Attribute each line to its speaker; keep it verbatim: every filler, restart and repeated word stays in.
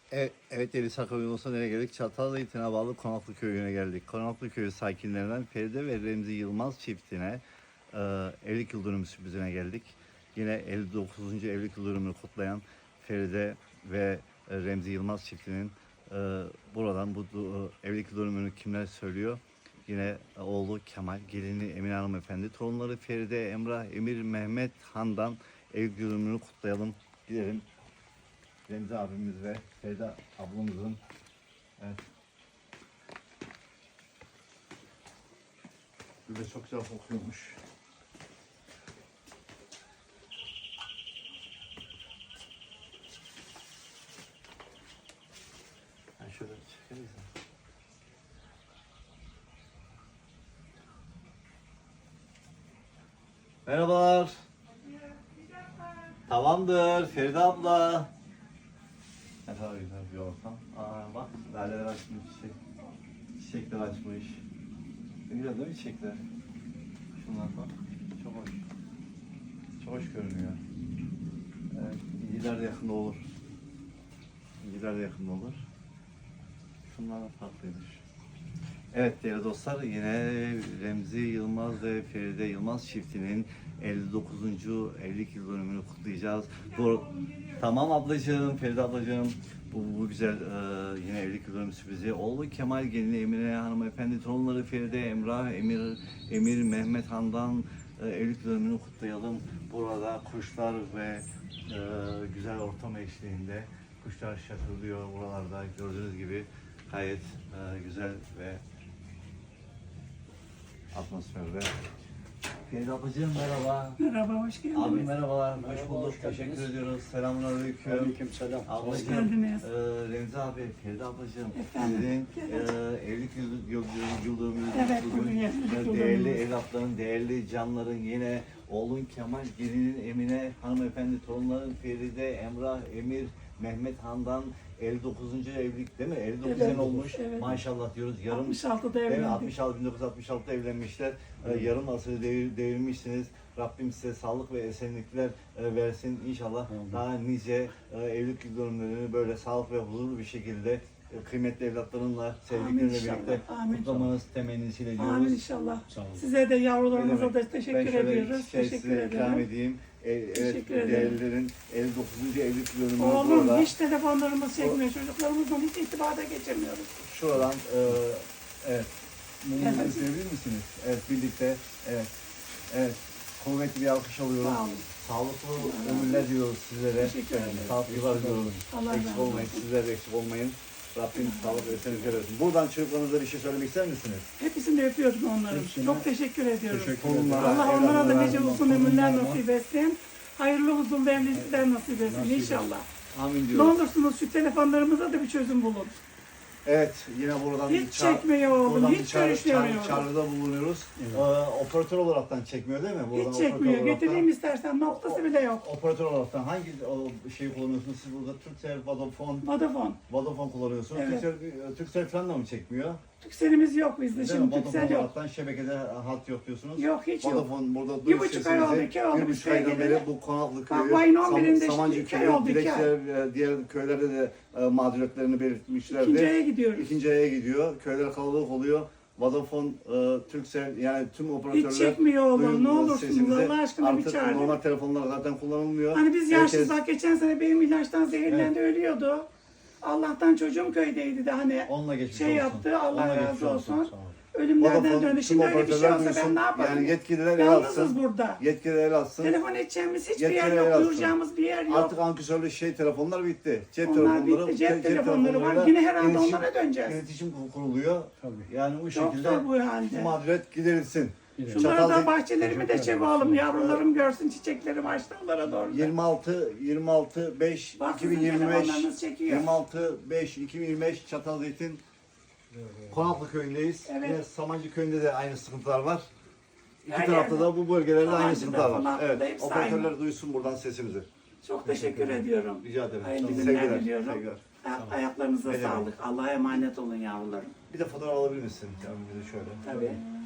Speaker 1: Evet, evet Deli Sakal Yolcusu nereye geldik? Çatalhöyük'e bağlı Konaklı Köyü'ne geldik. Konaklı Köyü sakinlerinden Feride ve Remzi Yılmaz çiftine e, evlilik yıl dönümü sürprizine geldik. Yine elli dokuzuncu evlilik yıl dönümünü kutlayan Feride ve e, Remzi Yılmaz çiftinin e, buradan bu e, evlilik yıl dönümünü kimler söylüyor? Yine e, oğlu Kemal, gelini Emine Hanımefendi, torunları Feride, Emrah, Emir, Mehmet Han'dan evlilik yıl dönümünü kutlayalım. Gidelim. Remzi abimiz ve Feride ablamızın, evet. Bir de çok güzel kokuyormuş. Ben şöyle çekeriz. Merhabalar. Tamamdır Feride abla. Ne kadar güzel bir ortam. Aa bak, laleler açmış, çiçek, çiçekler açmış. Ne güzel değil mi çiçekler? Şunlar bak, çok hoş. Çok hoş görünüyor. Evet, inciler de yakında olur. İnciler de yakında olur. Şunlar da farklıymış. Evet değerli dostlar, yine Remzi Yılmaz ve Feride Yılmaz çiftinin elli dokuzuncu evlilik yıl dönümünü kutlayacağız. Doğru. Tamam ablacığım, Feride ablacığım. Bu, bu güzel e, yine evlilik yıl dönümü sürprizi. Oğlu Kemal, gelini Emine hanımefendi, torunları Feride, Emrah, Emir, Emir, Mehmet Han'dan e, evlilik yıl dönümünü kutlayalım. Burada kuşlar ve e, güzel ortam eşliğinde kuşlar şakırlıyor buralarda, gördüğünüz gibi gayet e, güzel ve atmosferde. Feride ablacığım merhaba.
Speaker 2: Merhaba, hoş geldiniz.
Speaker 1: Abi merhabalar,
Speaker 3: Merhaba,
Speaker 1: hoş bulduk.
Speaker 3: hoş geldiniz.
Speaker 1: Teşekkür ediyoruz. Selamünaleyküm.
Speaker 3: Aleykümselam.
Speaker 1: Ablacığım,
Speaker 2: Hoş geldiniz.
Speaker 1: E, Remzi abi, Feride ablacığım.
Speaker 2: Efendim,
Speaker 1: Sizin
Speaker 2: evet.
Speaker 1: e, evlilik yıl, yıl, yıl, yıl dönümünüz
Speaker 2: Evet,
Speaker 1: bugün.
Speaker 2: bugün evlilik
Speaker 1: E,
Speaker 2: yıl
Speaker 1: Değerli
Speaker 2: dönümümüz.
Speaker 1: evlatların, değerli canların, yine oğlun Kemal, gelinin Emine hanımefendi, torunların Feride, Emrah, Emir, Mehmet Han'dan elli dokuzuncu evlilik değil mi? elli dokuz
Speaker 2: Evet,
Speaker 1: sene olmuş.
Speaker 2: evet.
Speaker 1: Maşallah diyoruz. Yarım
Speaker 2: altmış altıda
Speaker 1: Değil mi?
Speaker 2: evlendik.
Speaker 1: altmış altı bin dokuz yüz altmış altıda evlenmişler. Ee, yarım asırı devir, devirmişsiniz. Rabbim size sağlık ve esenlikler e, versin. İnşallah
Speaker 3: Amin.
Speaker 1: daha nice e, evlilik yıl dönümlerini böyle sağlık ve huzurlu bir şekilde e, kıymetli evlatlarınla, sevdiklerinle
Speaker 2: inşallah,
Speaker 1: birlikte
Speaker 2: amin.
Speaker 1: kutlamanız temennisiyle diyoruz.
Speaker 2: Amin inşallah.
Speaker 3: Sağ olun.
Speaker 2: Size de yavrularınıza
Speaker 1: Ne
Speaker 2: da
Speaker 1: demek?
Speaker 2: teşekkür
Speaker 1: ben şöyle
Speaker 2: ediyoruz.
Speaker 1: şey
Speaker 2: Teşekkür
Speaker 1: size ikram
Speaker 2: ederim.
Speaker 1: edeyim. E, evet,
Speaker 2: Teşekkür ederim.
Speaker 1: değerlilerin elli dokuzuncu evlilik yıl dönümü
Speaker 2: Oğlum
Speaker 1: burada.
Speaker 2: hiç telefonlarımız çekmiyor. Çocuklarımızla hiç irtibata geçemiyoruz.
Speaker 1: Şuradan e, evet. Mumunuzu
Speaker 2: Evet.
Speaker 1: üfleyebilir misiniz? Evet birlikte. Evet. Evet. Kuvvetli bir alkış alıyorum.
Speaker 2: Sağ olun.
Speaker 1: Sağlıklı
Speaker 2: Allah
Speaker 1: ömürler
Speaker 2: razı
Speaker 1: diliyoruz sizlere.
Speaker 2: Teşekkür ederim.
Speaker 1: Sağlıklı yıllar diliyoruz.
Speaker 2: Allah
Speaker 1: Eksik
Speaker 2: razı
Speaker 1: olmayın.
Speaker 2: olsun.
Speaker 1: Sizler de eksik olmayın. Rabbim sağlık ve esenlikler versin. Buradan çocuklarınıza bir şey söylemek ister misiniz?
Speaker 2: Hepsini öpüyorum onların.
Speaker 3: Hepsine
Speaker 2: Çok teşekkür ediyorum.
Speaker 3: Teşekkür
Speaker 1: Torunlara,
Speaker 3: ederim.
Speaker 2: Allah onlara da
Speaker 1: evlatlara,
Speaker 2: nice uzun ömürler
Speaker 3: torunlarıma.
Speaker 2: nasip etsin. Hayırlı huzurlu evlilikler nasip etsin
Speaker 3: Nasip
Speaker 2: inşallah.
Speaker 1: Amin
Speaker 2: Ne
Speaker 1: diyoruz.
Speaker 2: olursunuz şu telefonlarımıza da bir çözüm bulun.
Speaker 1: Evet, yine buradan
Speaker 2: Hiç
Speaker 1: bir ça-
Speaker 2: çekmiyor oğlum,
Speaker 1: buradan
Speaker 2: hiç
Speaker 1: bir çağrı-
Speaker 2: görüşmüyor.
Speaker 1: çağrı- çağrıda bulunuyoruz.
Speaker 3: Evet.
Speaker 1: Ee, operatör olaraktan çekmiyor değil mi? Buradan
Speaker 2: Hiç
Speaker 1: operatör
Speaker 2: çekmiyor.
Speaker 1: olaraktan-
Speaker 2: Getireyim istersen noktası bile yok.
Speaker 1: Operatör olaraktan hangi o şeyi kullanıyorsunuz siz burada? Turkcell, Vodafone,
Speaker 2: Vodafone.
Speaker 1: Vodafone kullanıyorsunuz.
Speaker 2: Evet.
Speaker 1: Turkcell, Turkcell falan da mı çekmiyor?
Speaker 2: Türkcell'imiz yok bizde
Speaker 1: Değil mi?
Speaker 2: şimdi.
Speaker 1: Vodafone
Speaker 2: Türkcell yok.
Speaker 1: olaraktan şebekede hat yok diyorsunuz.
Speaker 2: Yok hiç yok.
Speaker 1: Vodafone burada
Speaker 2: Bir
Speaker 1: duyuyor
Speaker 2: buçuk ay oldu,
Speaker 1: sesinizi.
Speaker 2: iki oldu
Speaker 1: Bir
Speaker 2: biz
Speaker 1: buçuk aydan
Speaker 2: sevgili.
Speaker 1: beri bu Konaklı
Speaker 2: Bak,
Speaker 1: köyü,
Speaker 2: bu ayın on birinde işte
Speaker 1: Samancı
Speaker 2: iki ay
Speaker 1: köyü,
Speaker 2: oldu, iki ay.
Speaker 1: Dilekçiler, e, diğer köylerde de e, mağduriyetlerini belirtmişlerdi.
Speaker 2: İkinci aya gidiyoruz.
Speaker 1: İkinci aya gidiyor. Köyler kalabalık oluyor. Vodafone, e, Turkcell yani tüm operatörler
Speaker 2: Hiç çekmiyor oğlum.
Speaker 1: duyun
Speaker 2: Ne olursunuz
Speaker 1: sesimizi.
Speaker 2: Allah aşkına bir
Speaker 1: Artık
Speaker 2: çağırın.
Speaker 1: normal telefonlar zaten kullanılmıyor.
Speaker 2: Hani biz yaşlıyız
Speaker 1: Herkes
Speaker 2: bak geçen sene benim ilaçtan zehirlendi ölüyordu. Allah'tan çocuğum köydeydi de hani
Speaker 1: onunla geçmiş
Speaker 2: şey
Speaker 1: olsun.
Speaker 2: yaptı Allah
Speaker 1: Onunla geçmiş
Speaker 2: razı olsun.
Speaker 3: Sağ olun.
Speaker 2: Ölümlerden
Speaker 1: Vodafone,
Speaker 2: döndü.
Speaker 1: tüm
Speaker 2: Şimdi öyle bir şey
Speaker 1: operatörler
Speaker 2: olsa ben
Speaker 1: duysun.
Speaker 2: ne yaparım?
Speaker 1: Yani yetkililer el
Speaker 2: Yalnızız
Speaker 1: atsın.
Speaker 2: burada.
Speaker 1: Yetkililer el atsın.
Speaker 2: Telefon edeceğimiz hiçbir yer
Speaker 1: Yetkililer
Speaker 2: yok.
Speaker 1: atsın.
Speaker 2: Duyuracağımız bir yer yok.
Speaker 1: Artık ankesörlü şey telefonlar bitti. Cep
Speaker 2: Onlar
Speaker 1: telefonları,
Speaker 2: bitti. Cep
Speaker 1: te-
Speaker 2: telefonları var.
Speaker 1: telefonlarıyla
Speaker 2: Yine herhalde
Speaker 1: iletişim-
Speaker 2: onlara döneceğiz.
Speaker 1: İletişim kuruluyor.
Speaker 3: Tabii.
Speaker 1: Yani bu
Speaker 2: Çok
Speaker 1: şekilde
Speaker 2: zor bu
Speaker 1: bu
Speaker 2: halde.
Speaker 1: mağduriyet giderilsin.
Speaker 3: Gidelim.
Speaker 2: Şunları
Speaker 1: Çatal-
Speaker 2: da bahçelerimi de
Speaker 3: Teşekkür
Speaker 2: çek
Speaker 3: ederim.
Speaker 2: oğlum. Yavrularım görsün çiçeklerim açtı onlara doğru.
Speaker 1: yirmi altı yirmi altı beş
Speaker 2: Bak sizin
Speaker 1: iki bin yirmi beş
Speaker 2: telefonlarınız çekiyor.
Speaker 1: yirmi altı beş iki bin yirmi beş Çatalzeytin Konaklı köyündeyiz.
Speaker 2: Evet.
Speaker 1: Yine Samancı köyünde de aynı sıkıntılar var. İki
Speaker 2: Her
Speaker 1: tarafta
Speaker 2: yerde.
Speaker 1: da bu bölgelerde aynı
Speaker 2: Samancı'da,
Speaker 1: sıkıntılar var.
Speaker 2: Konaklı'da
Speaker 1: Evet.
Speaker 2: hepsi
Speaker 1: Operatörler
Speaker 2: aynı.
Speaker 1: duysun buradan sesimizi.
Speaker 2: Çok teşekkür ediyorum.
Speaker 1: Rica ederim.
Speaker 2: Hayırlı
Speaker 1: Tamam.
Speaker 2: günler
Speaker 1: Sevgiler,
Speaker 2: diliyorum.
Speaker 1: sevgiler.
Speaker 2: Ay- Ayaklarınıza
Speaker 1: Ne demek.
Speaker 2: sağlık. Allah'a emanet olun yavrularım.
Speaker 1: Bir de fotoğraf alabilir misin? Yani bir de şöyle.
Speaker 2: Tabii.